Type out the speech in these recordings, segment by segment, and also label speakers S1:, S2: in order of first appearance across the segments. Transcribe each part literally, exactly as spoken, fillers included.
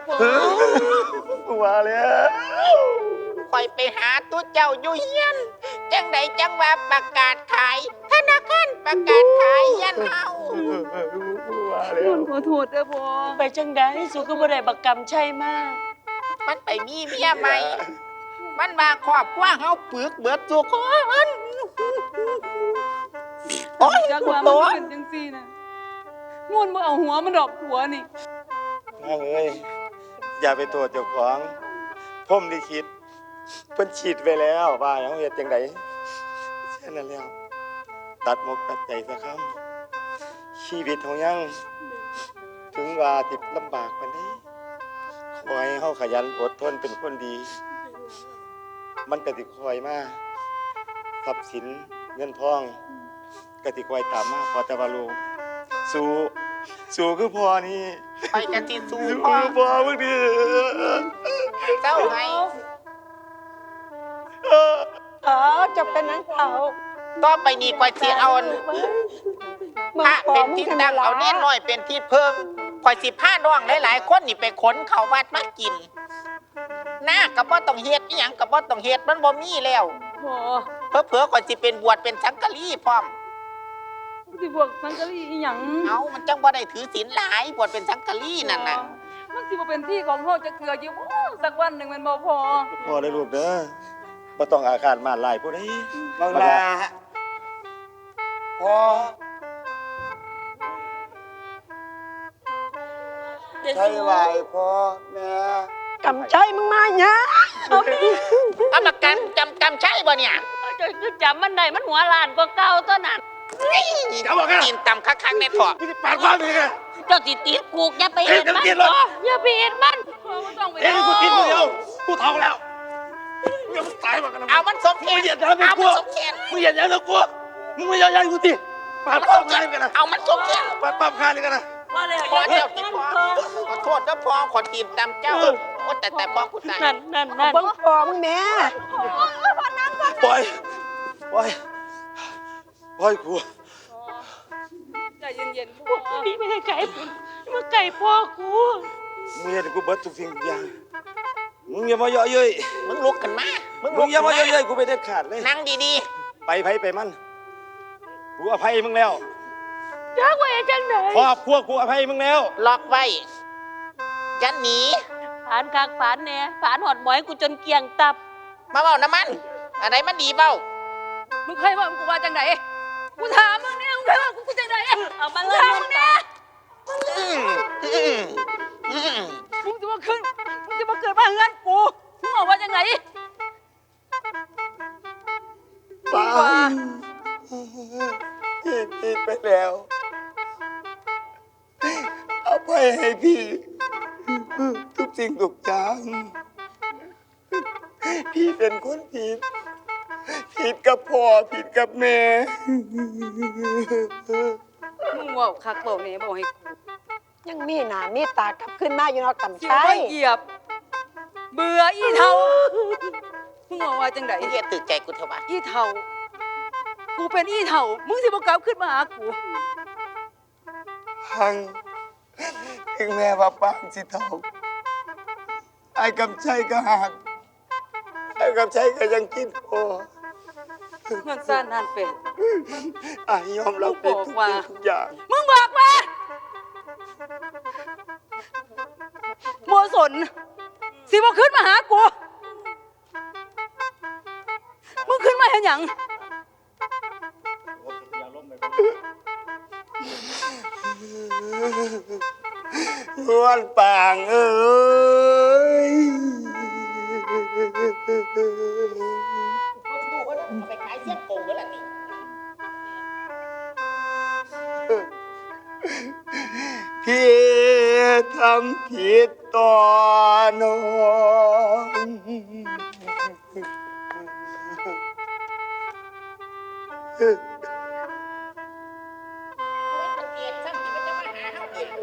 S1: พ่อ
S2: ว่าแล้ว
S3: คอยไปหาตัวเจ้าอยู่เฮียนจังใดจังว่าประกาศขายธนาคารประกาศขายยันเฮา
S2: ว่าแล้
S1: น
S2: วน
S1: ขอโทษเด้อพ่อ
S4: ไปจังได้สุก็บ่ได้บักกรรมใช่มาก
S3: มันไปมีเมียใหม่มันมาครอบครัวเฮาปึกเบิดทุกคนโอ้ย
S1: จัก
S3: กู
S1: ว่า
S3: โต
S1: มันเป็นจังซี่นะนวลบ่เอาหัวมันดอกหัวนี่
S2: น้องเอ้ยอย่าไปโทษเจ้าของผมลิขิตเพิ่นฉีดไปแล้วว่าอย่างเฮ็ดจังไดเช่นนั้นแล้วตัดมกตัดใจซะครับชีวิตของยังถึงว่าติดลำบากปานใดขอให้เฮาขยันอดทนเป็นคนดี มันก็สิคอยมาทรัพย์สินเงินทองก็สิคอยตามมาพอแต่ว่าลูกสู้สู้คือพ่อนี่
S3: ไปกันที่สู้
S2: สู้
S3: พ่อ
S2: คือพ่อมึงดิ
S3: เจ้าไง
S4: อ๋อจะเป็นนังเขา
S3: ต่อไปนี้กว่าสิเอาพระเป็นที่ตั้งเอาเน้นน้อยเป็นที่เพิ่งคอยสิผ้าน้องหลายๆคนนี่ไปขนเขาวัดมากินหน้ากับบ่ต้องเฮ็ดอีหยังกับบ่ต้องเฮ็ดมันบ่มีแล้ว
S1: พ่อ
S3: เผลอๆก่อนสิเป็นบวชเป็นสังฆลีพร้อม
S1: สิพวกสังกะรีอีหยัง
S3: เอามันจังบ่ได้ถือศีลหลายบวชเป็นสังฆลีนั่นน่ะ
S1: มันสิบ่เป็นที่ของเฮาจะเกลืออยู่บ่สักวันหนึงแม่นบ่พ่อ
S2: พ่อได้ลูกเด้อบ่ต้องอาฆาตมาดลายผู้ใด
S5: บางลาพอใช่ไหวพ่อแม่
S4: กำใจมึงมาเนี่ยเอาดิ
S3: กรรมการจำกำใช่บ่เนี่ย
S4: จะจำมันได้มันหัวล้านกว่าเก่าตัวนั้น
S2: เขาบอกกัน
S3: กินตำคักๆในถอด
S2: มึงสิปาดความมึงไง
S4: เจ้าติดติดกูอย่าไปเห็นมัน
S2: เห็นแล้ว
S4: อย่าไปเห็นมัน
S1: พ่อบ่ต้องไป
S2: เอ้ยกูกินมึงเดียวกูท้องแล้วมึงอย่ามึงตายมากันนะ
S3: เอามันสมแข
S2: มึ
S3: น
S2: งอย่าทำให้
S3: เอา
S2: กู
S3: มันสมแขน
S2: มึงอย่าอย่าทำกูมึงไม่อย่าอย่ากูติปาดความกันกันนะ
S3: เอามันสมแขน
S2: ปาดความคานกันนะ
S4: ว่าเลย
S3: พอเจ้าติดพอขอโทษนะพอขอตีนตำเจ้าโอ้แต่แต่พอกูตาย
S4: นั่นนั่นนั่น
S6: เบิ่งพอมึงแม่
S2: ปล่อยปล่อยปล่อยกู
S1: ใจเย็นๆพ่อ
S4: นี่ไม่ให้ไก่ผมมาไก่พ่อกู
S2: มึงอย่าให้กูเบิดทุกสิ่งทุกอย่างมึงอย่ามาเยาะเย้ย
S3: มึงลุกขึ้นมามึง
S2: มึ
S3: ลุ
S2: ง
S3: ก
S2: อย่า
S3: ขึ้น
S2: มา
S3: มา
S2: เยาะเย้ยกูไปเด็ดขาดเลย
S3: นั่งดี
S2: ไปไผไปมันกูอภัยมึงแล้ว
S4: จักไว้จังไหน
S2: ครอบครัวกูอภัยมึงแล้ว
S3: ๆล็อกไว้จะหนี
S4: ผานคักผานแหน่ผานหอดหมอยกูจนเกลียงตับ
S3: มาเบ้าน้ำมันอะไรมันดีเบ้า
S1: มึงเคยว่ากูว่าจังไดกูถามมึงเนี่ยมึงเคยว่ากูจังได
S4: เอามาเลย
S1: ถามมึงเนี่ย
S3: อืมอืมอืม
S1: มึงจะมาขึ้นมึงจะมาเกิดมาเฮือนกูมึงบอกว่าจังได
S5: ป้าพี่ผิดไปแล้วเอาไปให้พี่ทุกสิ่งทุกอย่างพี่เป็นคนผิดผิดกับพ่อผิดกับแม่
S1: มึงว่าคักเบาเนี่ยบอกให้กู
S6: ยังมีหน้ามีตากลับขึ้นมาอยู่เนาะกำ
S1: เกี่ยว
S6: ชั
S1: ไม่
S6: ย
S1: เหยียบ เบื่ออีเทามึงบอกว่าจังได
S3: มึงอย่าตื่นใจกูเถอะวะ
S1: อีเทากูเป็นอีเทามึงสิบ่กลับขึ้นมาหากู
S5: หังถึงแม่ว่าปางสิเท่าไอ้กำชัยก็หักไอ้กำชัยก็ยังกินพ่อ
S1: เงินซ่านนั่นเป็น
S5: ไอ้ยอมรับผิดทุกสิ่งทุกอย่าง
S1: มึงบอกมาโมสนสิบ่ขึ้นมาหากูมึงขึ้นมาเห็นหยัง
S5: นวลปางเอ้ย
S3: ดูว่าเอาไปขายเสี้ยนโกงแล้วล่ะนี่
S5: พี่ทำผิดต่อน้อง
S3: มันเกลียดซ้ำที่มันจะมาหาเฮาอีก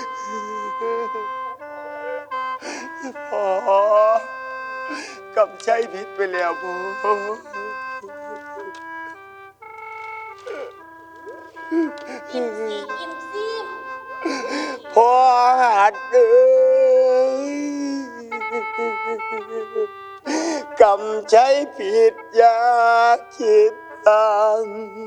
S5: พ่อกำชัยผิดไปแล้วพ่อ
S3: อิ่มซีอิ่มซี
S5: พ่อหัดเอ้ยกำใจผิดอย่าคิดตาม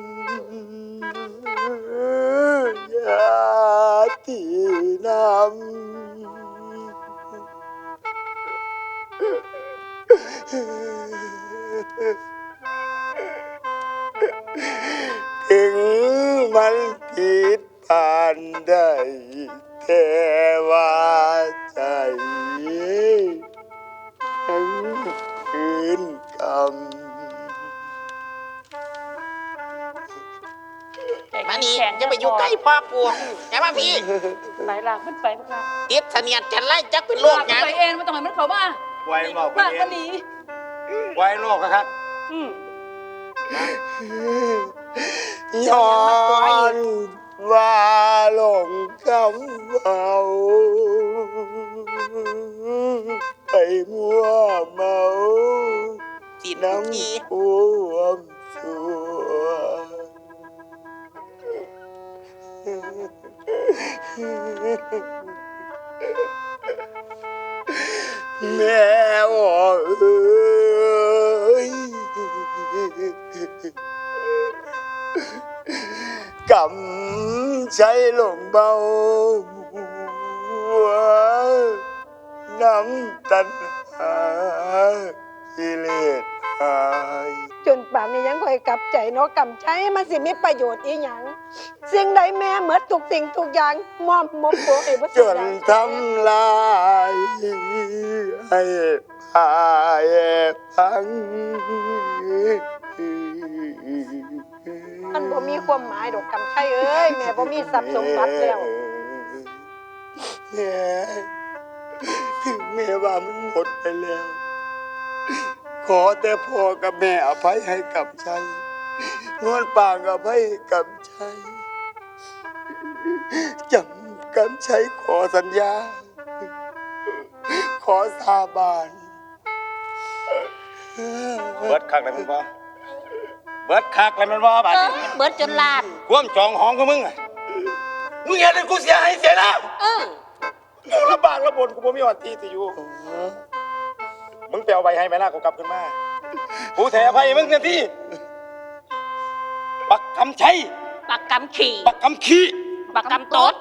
S5: อย่าที่นำถึงมันผิดผ่านได้แต่ว่าใจทั้งคืนกำ
S3: มานี่จะไปอยู่ใกล้พ่อกูอย่ามาพี่
S4: ไหลหลากขึ้นไปพวกเรา
S3: ติดเสนียดจันไล่จักเป็นโรคหยัง
S1: ไปเองไม่ต้องให้มันเข้ามา
S2: ไว้นอกป
S1: บ้า
S2: ระ
S1: น
S2: เท
S1: ก็
S2: ศ
S1: หนี
S2: ไว้นอกครับ
S4: อืม
S5: ย้อนว่าหลงคำเอาไปมัวเมา
S3: สิน
S5: น้
S3: ที
S5: ำความสัวแม่อ่อเอ้ยกำใจหลงเบาน้ำตันหากิเลสหาย
S6: จนป่านนี้ยังคอยกลับใจเนาะกำใช้มันสิมีประโยชน์อีหยังสิ่งใดแม่เหมือนทุกสิ่งทุกอย่างมอมมบตัวเองว่า
S5: จนทำลายให้พายพัง
S6: มันบ่มีความหมายดอกกำใช้เอ้ยแม่บ่มีทรัพย์สมบัติแล้ว
S5: แม่ถึงแม่ว่ามันหมดไปแล้ว ขอแต่พ่อกับแม่อภัยให้กับชัยนวลปากอภัยให้กับชัยจำกำชัยขอสัญญา ขอสาบาน
S2: เบิดคักเลยมันบ่เบิดคักเลยมันบ่บาด
S4: เอ
S2: นี้
S4: อเบิดจนลาน
S2: ความจองหองของมึงอะมึงเห็นให้กูเสียหายเสียนะ
S4: เออ
S2: กูลำบากลำบนกูบ่มีวันที่สิอยู่ มึงไปเอาใบให้แม่นากูกลับขึ้นมากูแถอภัยมึงเต็มที่ปักคำชัย
S4: ปากกำขี่
S2: ปักคำขี้
S4: ปากกำตด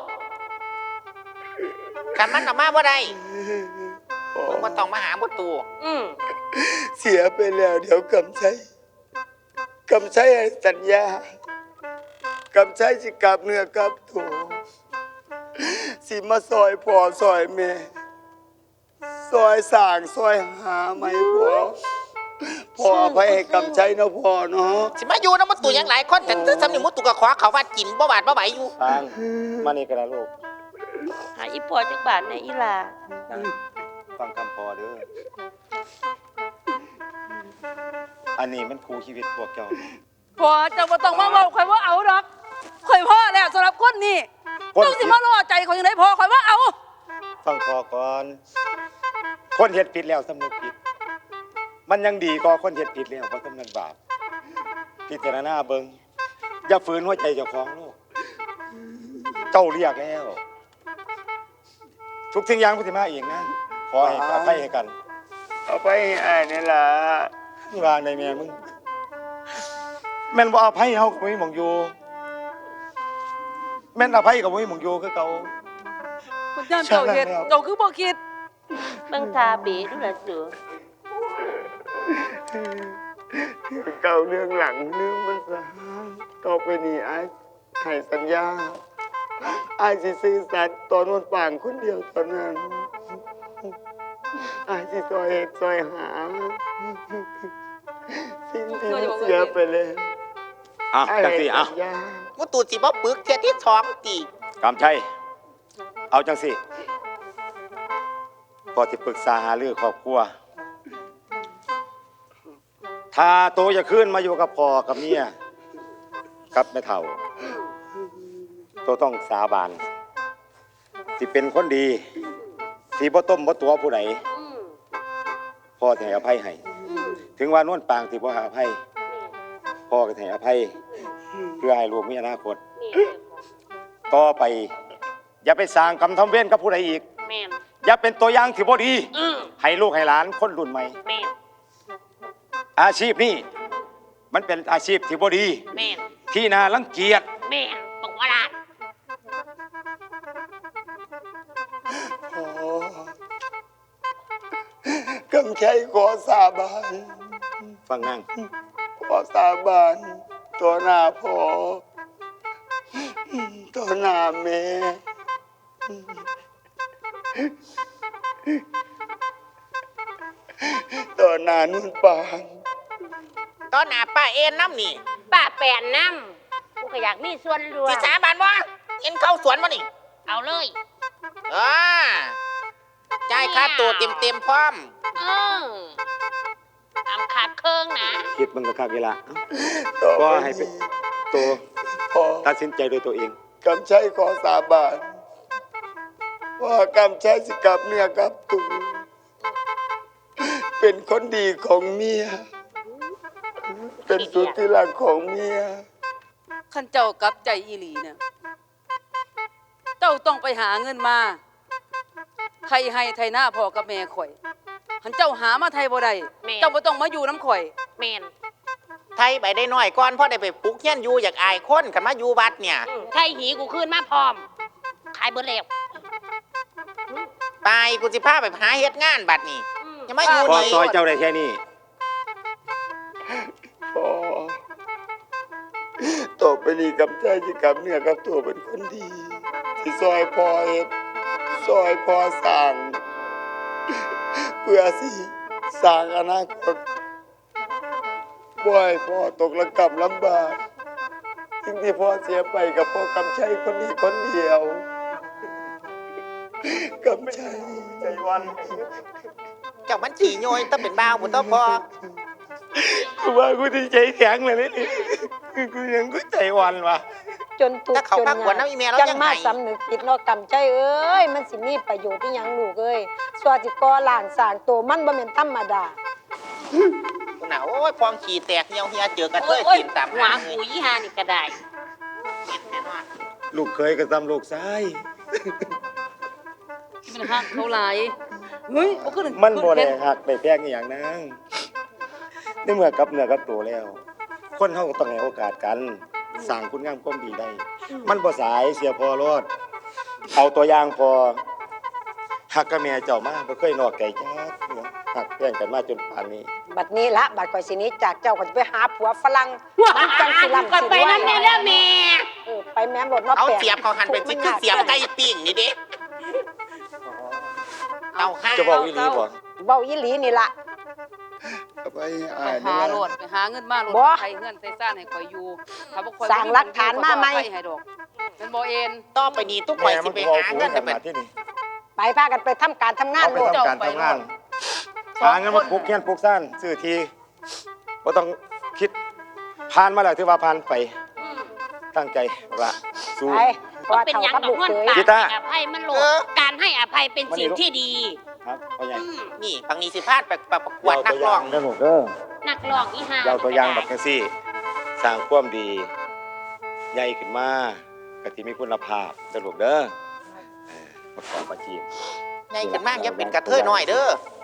S3: ขันมันออกมาบ่ได้มึงมาต้องมาหาบ่ตู
S4: อืม
S5: เสียไปแล้วเดี๋ยวกำชัยกำชัยให้สัญญากำชัยสิกลับเนื้อกลับตัวสิมาซอยพ่อซอยแม่ซอยสร้างซอยหาไม่พอพ่ออภัยให้กำชัยเนาะพ่อเนาะ
S3: สิมาอยู่นำบ่ตูหยังหลายคนแต่ตื้อสำนึกบ่ตูก็ขอเขาว่ากินบ่บาดบ่ไหวอยู่
S2: ฟางมานี่กันนะลูก
S4: หาอีปอจักบาทในอีหลา
S2: ฟังคำพอเด้ออันนี้มันครูชีวิตพวกเจ้า
S1: พอเจ้าบ่ต้องมาเว้าข่อยว่าเอาดอกข่อยพ่อแล้วสำหรับคนนี้
S2: คน
S1: เจ้าสิมาล่อใจข่อยยังไงพอข่อยว่าเอา
S2: ฟังพอก่อน คนเฮ็ดผิดแล้วสำนึกผิด มันยังดีกว่าคนเฮ็ดผิดแล้วบ่สำนึกบาปพิจารณาเบิ่งอย่าฝืนหัวใจเจ้าของลูกเจ้าเรียกแล้ว ทุกสิ่งอย่างพุทธิมาเองนะขอให้อภัยให้กัน
S5: เอาไปให้อ้ายนี่ล่ะ
S2: นี่วางในแม่มึงแม่นบ่อภัยเฮาก็บ่มีหม่องอยู่แม่นอภัยก็บ่มีหม่องอยู่คือเก่า
S1: มันย่านเจ้าเฮ็ดเจ้าคือบ่คิด
S4: เบิ่งทาเบดูล่ะเสือ
S5: เก่าเรื่องหลังลืมมันซะต่อไปนี้อ้ายให้สัญญาอ้ายสิซื่อสัตย์ต่อนวลปางคนเดียวเท่านั้นอ้ายสิซอยเฮ็ดซอยหาสิ่งที่มันเสียไปแล้ว
S2: อ่ะ
S5: อ้าย
S2: จัง
S5: ให้
S2: สิอ่ะ
S5: สัญญา
S3: บ่ตูสิบ่ปึกเที่ยที่สองตี
S2: กำชัยเอาจังสิพอสิปรึกษาหารือครอบครัว ถ้าโตจะขึ้นมาอยู่กับพ่อกับเมียกับแม่เฒ่าโตต้องสาบานสิเป็นคนดีสิบ่ต้มบ่ตัวผู้ใด
S4: อืม
S2: พ่อจะให้อภัยให้
S4: อืม
S2: ถึงว่านวลปางสิบ่ให้อภัยพ่อก็ให้อภัยเพื่อให้ลูกมีอนาคต
S4: แม่น
S2: ต่อไป อย่าไปสร้างกรรมทำเวรกับผู้ใดอีก
S4: แม่น
S2: อย่าเป็นตัวอย่างที่บ่ดี
S4: อืม
S2: ให้ลูกให้หลานคนรุ่นใหม่
S4: แม่น
S2: อาชีพนี้มันเป็นอาชีพที่บ่ดี
S4: แม่น
S2: ที่น่ารังเกียจ
S4: แม่นบอกว่าล่ะ
S5: พ่อกำชัยขอสาบาน
S2: ฟังนั่ง
S5: ขอสาบานตัวหน้าพ่อตัวหน้าแม่ตัวหน้านุ่นปาน
S3: ตอนหน้าป้าเอ็นน้ำนี่
S4: ป้าแปนน้ำกูก็อยากมีส่วนรวม
S3: สิสาบานว่าเอ็นเข้าสวนมานี่
S4: เอาเลย
S3: อ่าจ่ายค่าตัวเต็มเต็มๆพร้อม
S4: เออตามขาดเครื่องนะ
S2: คิดมันก็คักเวลา
S5: ต่อ
S2: ก็
S5: ไป
S2: ให้เป็น
S5: นี้
S2: ตัว
S5: พ่อ
S2: ตัดสินใจโดยตัวเอง
S5: กำชัยขอสาบานว่ากำชัยสิกลับเนื้อกลับตัวเป็นคนดีของเมีย เป็นสุดที่รักของเมีย
S1: ขันเจ้ากลับใจอีหลีเนี่ยเจ้าต้องไปหาเงินมาใครให้ไทยหน้าพ่อกับแม่ข่อยขันเจ้าหามาไทยบ่ได้เจ้าบ่ต้องมาอยู่น้ำข่อย
S4: แม่น
S3: ไทยไปได้น้อยก่อนพ่อได้ไปปลุกเฮียนอยู่อยากอายคนกันมาอยู่วัดเนี่ย
S4: อืมไทยหีกูขึ้นมาพร้อม ขายเบิดแล้ว
S3: ไปกูสิพาไปหาเฮ็ดงานบัดนี่
S4: อืม
S3: อย่ามาอยู่
S2: พอ
S3: นี่
S2: ซอยเจ้าได้แค่นี้
S5: พ่อต่อไปนี้กำชัยสิกลับเนื้อกับตัวเป็นคนดีที่ซอยพ่อเฮ็ดซอยพ่อสร้าง เพื่อสิสร้างอนาคตบ่ให้พ่อตกระกำลำบากสิ่งที่พ่อเสียไปกับพ่อกำชัยคนนี้คนเดียวกำชัยใจวัน
S3: เจ้ามันขี่โยยต้องเป็นบ้าวบุตรพอ
S2: กูว่ากูที่ใจแข็งเลยนี่กูยังกูใจวันวะ
S6: จนทุก
S3: ถ้า
S6: ข์
S3: เขา
S6: จน
S3: พัก
S6: ห
S3: ขวัญ
S6: นั
S3: น้ำอีเมลแล้ว
S6: จัง
S3: ยัง
S6: มา
S3: ไง
S6: สำนึกผิดเนาะกำใจเอ้ยมันสิมีประโยชน์อีหยังลูกเอ้ยสวาสิก่อล่างสร้างตัวมันบ่แม่นธรรมดา
S3: กูหนาวโอ้ยฟองขี่แตกเหี่ยวเหียเจอกระเท
S4: โอ้ย
S3: ย
S4: โอ้ย
S3: กินตาม
S4: หัว
S3: หางเล
S4: กู
S3: ย
S4: ยี่ห้านี่ก็ได้
S2: ลูกเคยกับตำลูกซ้าย
S1: มันหักเขาหลายเฮ้ยบ่ขึ้น
S2: มันบ่ได้
S1: ขึ้น
S2: หักไปแพงอหย่างนั้นในเมื่อกับเนื้อกับตัวแล้ว คนเฮาก็ต้องให้โอกาสกันสร้างคุณงามความดีได้ มันบ่สายเสียพอรอด เอาตัวอย่างพอหักกับแม่เจ้ามาบ่เคยนอกใจจักเทื่อหักแย่งกันมาจนป่านนี้
S6: บัดนี้ละบัดก่อยสิหนี้จากเจ้าก็จะไปหาผัวฝรั่งมันจังสิล่ำ
S4: ก่อน
S6: สิ
S4: ไป
S6: รวย
S4: นั่นแน่แล้วแม่
S6: เออไปแม่มรถเนาะ
S3: เอา
S6: แปลก
S3: เสียบเขาหันเป็นสิคือเสียบไก่ปิ้งนี่เด้เอาห้า
S2: จะบอกอีหลีบ่
S6: เว้าอีหลีนี่ล่ะ
S5: เอาไป
S1: ไป
S5: อ่าน
S1: หาโลดไปหาเงินมาโลด
S6: บ่
S1: ไทยเงินใส่ซ่านให้ข่อยอยู่ถ้าบ่ข่อย
S6: สร้างหลักฐานมาไหม
S1: ข่อยบ่ให้ดอกเป็นบ่เอ็น
S3: ต่อไปนี้ทุกข่อยสิไปหาเงิน
S2: แต่
S3: แต่เป็น
S2: ที่นี่
S6: ไปพากันไปทำการทำงาน
S2: เอาไป
S6: โลด
S2: ทำการทำงานหาเงินมาปลูกเฮียนปลูกซ่านซื้อทีบ่ต้องคิดผ่านมาแล้วถือว่าผ่านไป
S4: อืม
S2: ตั้งใจละสู้
S6: ไปพอ
S4: เป็น
S6: เท่า
S4: หยัง
S6: กับ
S4: ดอ
S6: ลู
S4: ก
S6: ก
S4: เงิน
S6: เขย
S4: ตา
S2: กีตาร์
S4: ให้อภัยมันโลดการให้อภัยเป็นสิ่งที่ดี
S2: ครับพ่อใหญ่
S4: อืม
S3: นี่บางนี้สิพาดไปประกวดนักร้อง
S2: เด้อหนูเด้อ
S4: นักร้องอีห้า
S2: เราตัวอย่างแบบจังซี่ สร้างความดี ใหญ่ขึ้นมาก็สิมีคุณภาพเด้อลูกเด้อเออประกอบอาชีพ
S3: ไงขึ้นมากอย่าเป็นกระเทยน้อยเด้อ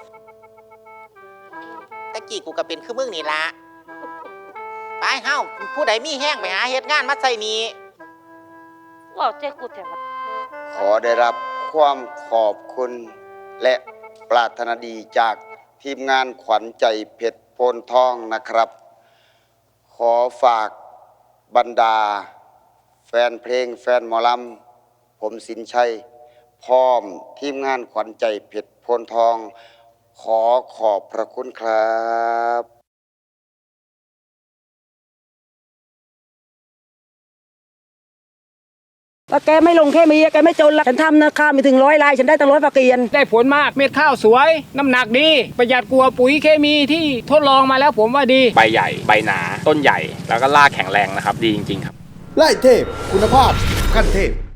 S3: ตะกี้กูก็เป็นคือมึงนี่ละไปเฮ้าผู้ใดมีแห้งไปหาเฮ็ดงานมาใส่นี้
S4: ว่าเจ้ากูแต่ว่า
S5: ขอได้รับความขอบคุณและปรารถนาดีจากทีมงานขวัญใจเพชรโพนทองนะครับ ขอฝากบรรดา แฟนเพลงแฟนหมอลำผมสินชัย พร้อมทีมงานขวัญใจเพชรโพนทอง ขอขอบพระคุณครับ
S7: ว่าแกไม่ลงแค่มีแกไม่จนละฉันทำนะข้าวมีถึงร้อยลาย ฉันได้ตั้งร้อยฝากเกียน
S8: ได้ผลมากเม็ดข้าวสวย น้ำหนักดี ประหยัดกลัวาปุ๋ยเคมีที่ทดลองมาแล้วผมว่าดี
S9: ใบใหญ่ ใบหนา ต้นใหญ่ แล้วก็รากแข็งแรงนะครับ ดีจริงๆครับ
S10: ไล่เทพ คุณภาพขั้นเทพ